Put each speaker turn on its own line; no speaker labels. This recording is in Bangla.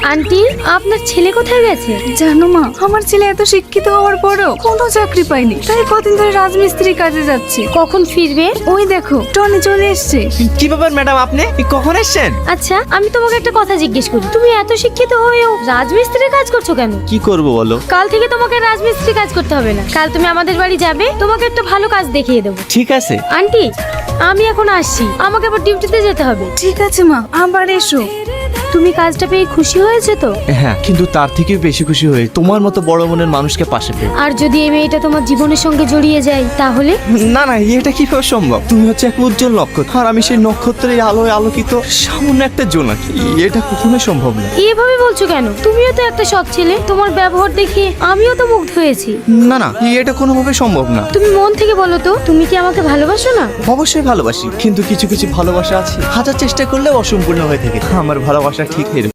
আন্টি, আপনার ছেলে কোথায় গেছে?
জানো মা, আমার ছেলে এত শিক্ষিত হওয়ার পরও কোনো চাকরি পায়নি, তাই কদিন ধরে রাজমিস্ত্রি কাজে যাচ্ছে।
কখন ফিরবে?
ওই দেখো টনি চলে এসছে।
কি ব্যাপার ম্যাডাম, আপনি কখন এসেছেন?
আচ্ছা, আমি তোমাকে একটা কথা জিজ্ঞেস করি, তুমি এত শিক্ষিত হয়েও রাজমিস্ত্রির কাজ করছো কেন?
কি করব বলো?
কাল থেকে তোমাকে রাজমিস্ত্রি কাজ করতে হবে না। কাল তুমি আমাদের বাড়ি যাবে, তোমাকে একটা ভালো কাজ দেখিয়ে দেবো।
ঠিক আছে।
আন্টি, আমি এখন আসছি, আমাকে আবার ডিউটিতে যেতে হবে।
ঠিক আছে মা, আবার এসো।
তুমি কাজটা পেয়ে খুশি হয়েছে তো?
হ্যাঁ, কিন্তু তার থেকেও বেশি খুশি হয়ে তোমার মতো বড় মনের মানুষকে পাশে পেয়ে।
আর যদি এই মেয়েটা তোমার জীবনের সঙ্গে জড়িয়ে যায় তাহলে?
না না, এটা কিভাবে সম্ভব? তুমি হচ্ছে এক উজ্জ্বল নক্ষত্র, আর আমি সেই নক্ষত্রের আলোয় আলোকিত সামান্য একটা জোনাকি। এটা কখনোই সম্ভব না।
এভাবে বলছো কেন? তুমিও তো একটা সৎ ছেলে, তোমার ব্যবহার দেখে আমিও তো মুগ্ধ হয়েছি।
না না, এটা কোনোভাবে সম্ভব না।
তুমি মন থেকে বলো তো, তুমি কি আমাকে ভালোবাসো না?
অবশ্যই ভালোবাসি, কিন্তু কিছু কিছু ভালোবাসা আছে হাজার চেষ্টা করলেও অসম্পূর্ণ হয়ে থাকে। আমার ভালোবাসা ঠিক এরকম।